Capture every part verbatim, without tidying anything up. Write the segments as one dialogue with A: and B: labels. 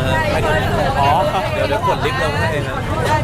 A: ฮะอ๋อเดี๋ยวเดี๋ยวกดลิฟต์ลงให้ครับ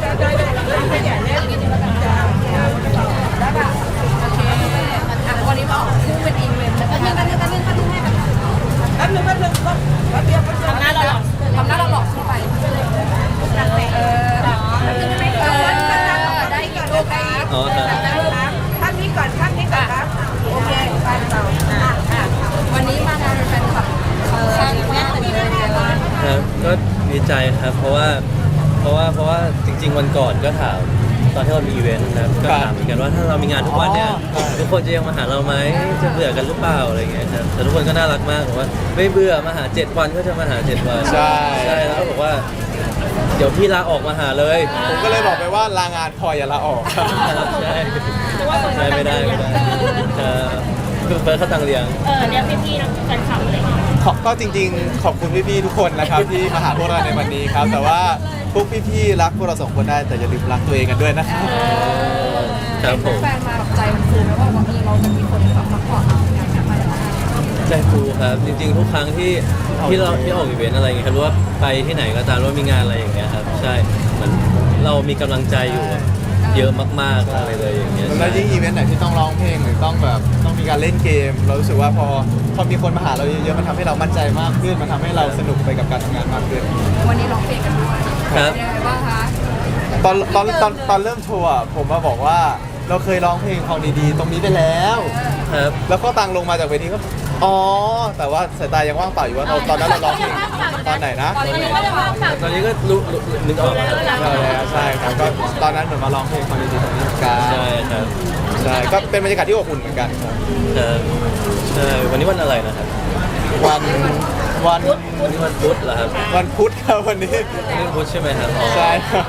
B: วันนี้มาออกคู่เป็นอีเวนต์แล้วก็ยังกันยังกันยังกันยังให้แบบแป๊บนึงแป๊บนึงก็แป๊บเดียวทำหน้าเราหลอกทำหน้าเราหลอกขึ้นไปเออเออได้อีกลูกได้อีก
A: อ๋อครับ
B: ท่านนี้ก่อนท่านนี้ก่อนครับโอเคไปต่อวันนี้มางานแฟนคลับเออข้างแม่เป็นยังไงบ้าง
A: ครับก็ดีใจครับเพราะว่าเพราะว่าเพราะว่าจริง ๆ วันก่อนก็ถามตอนที่เรามีอีเวนต์นะครับก็ถามเหมือนกันว่าถ้าเรามีงานทุกวันเนี่ยทุกคนจะยังมาหาเราไหมจะเบื่อกันหรือเปล่าอะไรอย่างเงี้ยครับแต่ทุกคนก็น่ารักมากบอกว่าไม่เบื่อมาหาเจ็ดวันก็จะมาหาเจ็ดวัน
C: ใช่
A: ใช่แล้วก็บอกว่าเดี๋ยวพี่ลาออกมาหาเลย
C: ผมก็เลยบอกไปว่าลางานพออย่าลาออก
A: ใช่ใช่ไม่ได้ไม่ได้เออคือเฟิร์สเขาตังเลี้ยง
D: เออเรียกพี่ๆนักแฟนคลับอะไรอย่างเงี้ย
C: ขอบก็จริงๆ ขอบคุณพี่ๆทุกคนนะครับ ที่มาหาพวกเราในวันนี้ครับ แต่ว่าพวกพี่ๆรักพวกเราสองคนได้แต่อย่าลืมรักตัวเองกันด้วยนะครับ
A: ครับผม
B: แฟนมาแบบใจมันฟูไหมว่าวันนี้เราจะมีคนแบบมาขอเราอยากจะมา
A: ใจฟูครับจริงๆทุกครั้งที่ที่เราที่ออกอีเวนต์อะไรอย่างเงี้ยครับหรือว่าไปที่ไหนก็ตามหรือว่ามีงานอะไรอย่างเงี้ยครับใช่เหมือนเรามีกำลังใจอยู่เยอะมากๆอะไรเลยอย่างเงี้ย
C: แล้วยิ่งอีเวนต์ไหนที่ต้องร้องเพลงหรือต้องแบบต้องมีการเล่นเกม เรารู้สึกว่าพอพอมีคนมาหาเราเยอะๆมันทำให้เรามั่นใจมากขึ้นมันทำให้เราสนุกไปกับการทำงานมากขึ้น
B: วันนี้ร้องเพลงกันด้วย
A: ครับ
B: ยังไงบ้างคะ
C: ตอนตอนตอนตอนเริ่มโชว์อะผมมาบอกว่าเราเคยร้องเพลงของดีๆ ตรงนี้ไปแล้ว
A: ครับ
C: แล้วก็ตังลงมาจากเวทีก็อ๋อแต่ว่าสายตายังว่างเปล่าอยู่ว่าเราตอนนั้นเราร้องเพลงตอนไหนนะ
B: ตอนนี้ก็จะว่างฝั่ง
A: ตอนนี้ก็รู้รู้นึกออกแล้วครับ
C: ใช่แล้วใช่ครับก็ตอนนั้นเหมือนมาร้องเพลงของดีๆตรงนี้เหมือนกัน
A: ใช่ครับ
C: ใช่ก็เป็นบรรยากาศที่อบอุ่นเหมือนกันครับ
A: ครับใช่วันนี้วันอะไรนะครับ
C: วันวัน
A: วันนี้วันพุธเหรอครับ
C: วันพุธครับวันนี้
A: วันนี้วันพุธใช่ไหมครับอ๋อ
C: ใช่ครับ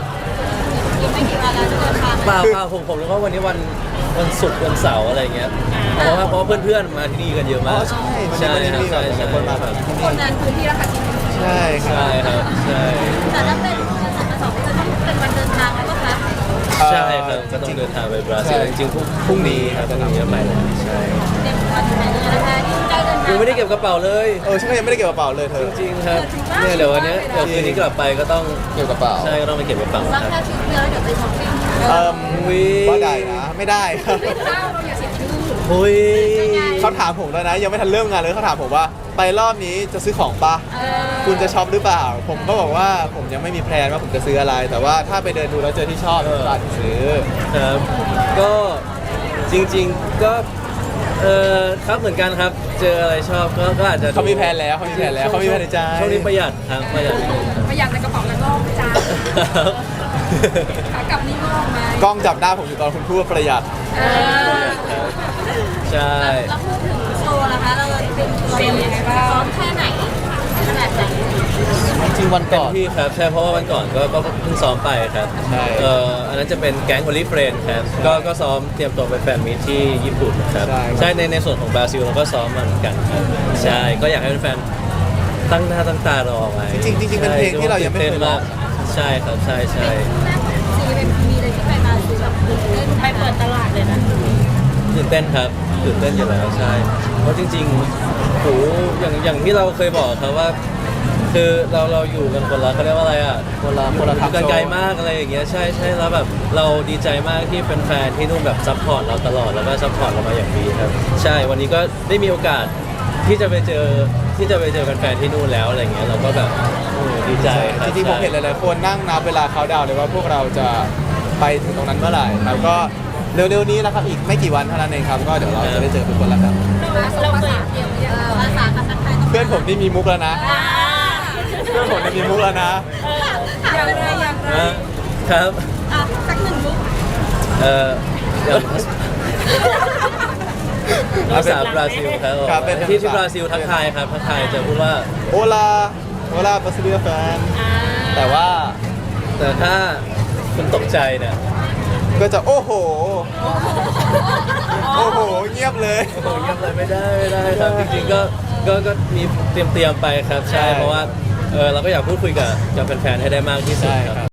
A: เปล่าเปล่าผมผมรู้ว่าวันนี้วันวันศุกร์วันเสาร์อะไรเงี้ยเพราะว่าเพราะว่าเพื่อนๆมาที่นี่กันเยอะ
C: อ๋
A: มา
C: อก ใช่วัน
A: ใช่
C: นี้วันนี้
A: ครับ
C: มีแบ
A: ใช่
C: บ
A: ใช่
C: คนมาแบบที่
B: ค
C: นี่
B: นนั้นพื้นที่ราคาจริง
C: ใช่ครั
A: ใช่
C: บ
A: ครับใช่
D: แต่ถ้าเป็นวันเสาร์วันเสาร์จะต้องเป็นวันเดินทางแล้วก็คะ
A: ใช่ครับก็ต้องเดินทางไปบราซิลจริงๆพรุ่งพรุ่งนี้ครับพรุ่งนี้จะไปแล้วใช่
D: เตรียมตัวถึงไหนเลยนะคะยิ่งใกล้เดินทาง
A: ยังไม่ได้เก็บกระเป๋าเลย
C: เออฉันก็ยังไม่ได้เก็บกระเป๋าเลยเธอ
A: จริงๆครับเนี่ยเดี๋ยววันนี้เดี๋ยวคืนนี้กลับไปก็ต้อง
C: เก็บกระเป๋า
A: ใช่ก็ต้องไปเก็บกระเป๋า
D: ว่า
A: ครับ
D: แค่ชุดเดียวแล้วเดี๋ยวไปช้อปปิ้ง
C: เอ่ม
A: อุ๊ย
C: ว่าได้นะไม่ได้ครับ
B: ๆข้าวเราอย่าเสียชื่อ
A: หุย
C: เขาถามผมแล้วนะยังไม่ทันเริ่มงานเลยเขาถามผมว่าไปรอบนี้จะซื้อของปะ
D: เออ
C: คุณจะช็อปหรือเปล่า ผมก็บอกว่าผมยังไม่มีแพลนว่าผมจะซื้ออะไร แต่ว่าถ้าไปเดินดูแล้วเจอที่ชอบผมก็อาจจะซื้อ
A: ครับก็จริงๆก็เออครับเหมือนกันครับ เจออะไรชอบก็ก็อาจจะดู
C: เขามีแพลนแล้วเขามีแพลนแล้วเขามีแพลนในใจ
A: ช่วงนี้ประหยัดครับประหยัดนิดนึงครับ
B: ประหยัดในกระเป๋าแล้วงอกจ้า
A: ครับ
B: ขากลับนี่งอกไหม
C: กล้องจับหน้าผมอยู่ตอนคุณพูดว่าประหยัด
B: เออ
A: ใช่
D: แล้วพูดถึงโชว์นะคะเราเป็นเป็นยังไงบ้างซ้อมแค่ไหนขนาดไหน
C: จริงๆวัน
A: เต็
C: ก่
A: ม
C: อน
A: ที่ครับใช่เพราะว่าวันก่อนก็ก็เพิ่งซ้อมไปครับ
C: ใช่
A: เอ่ออันนั้นจะเป็นแก๊งโอลิเฟรนครับก็ก็ซ้อมเตรียมตัวไปแฟนมีตที่ญี่ปุ่นครับใช่ในในส่วนของบราซิลเราก็ซ้อมมาเหมือนกันครับใช่ก็อยากให้แฟนๆตั้งหน้าตั้งตารอไว้
C: จริงๆจริงๆเป็นเพลงที่เรายังไม่เคยร้อง
A: ใช่ครับใช่ใช่
D: ซีเป็นมีเลยที่ไปมาคือแบบตื่นเต้นไปเปิดตลาดเลยนะ
A: ตื่นเต้นครับตื่นเต้นอยู่แล้วใช่เพราะจริงๆโหอย่างอย่างที่เราเคยบอกครับว่า คือเราเราอยู่กันคนละเขาเรียกว่าอะไรอ่ะ
C: คนละคนละทาง
A: กันไกลมากอะไรอย่างเงี้ยใช่ใช่แล้วแบบเราดีใจมากที่เป็นแฟนที่นู่นแบบซัพพอร์ตเราตลอดแล้วก็ซัพพอร์ตเรามาอย่างดีครับใช่วันนี้ก็ได้มีโอกาสที่จะไปเจอที่จะไปเจอแฟนๆที่นู่นแล้วอะไรเงี้ยเราก็แบบโอ้ดีใจครับ
C: จริงๆผมเห็นหลายๆคนนั่งนับเวลาเขาดาวน์เลยว่าพวกเราจะไปถึงตรงนั้นเมื่อไหร่ครับก็เร็วๆนี้นะครับอีกไม่กี่วันเท่านั้นเองครับก็เดี๋ยวเราจะได้เจอทุกคนแล้วครับ
D: เราเคยเกี่ยวกับภาษาภาษาไทย
C: เพื่อนผมที่มีมุกแล้วนะ
D: อ่า
C: เพื่อนผมที่มีมุกแล้วนะ
B: อย่างไรอย่างไร
A: นะครับ
D: อ่ะสักหนึ่งมุก
A: เอ่ออย่างภาษาบราซิลครับ
C: ครับเป็น
A: ที่ที่บราซิลทักทายครับทักทายจะพูดว่า
C: โอลาโอลาบราซิเลียแฟน
D: อ่า
C: แต่ว่า
A: แต่ถ้าคุณตกใจเนี่ย
C: ก็จะโอ้โห โอ้โห เงียบเลย
A: โอ้โหเงียบเลยไม่ได้ไม่ได้ครับจริงๆก็ก็ก็มีเตรียมเตรียมๆไปครับใช่
C: ใช่
A: เพราะว่าเออเราก็อยากพูดคุยกับกับแฟนๆให้ได้มากที่สุด
C: ใช่
A: ค
C: ครั
A: รับ
C: บ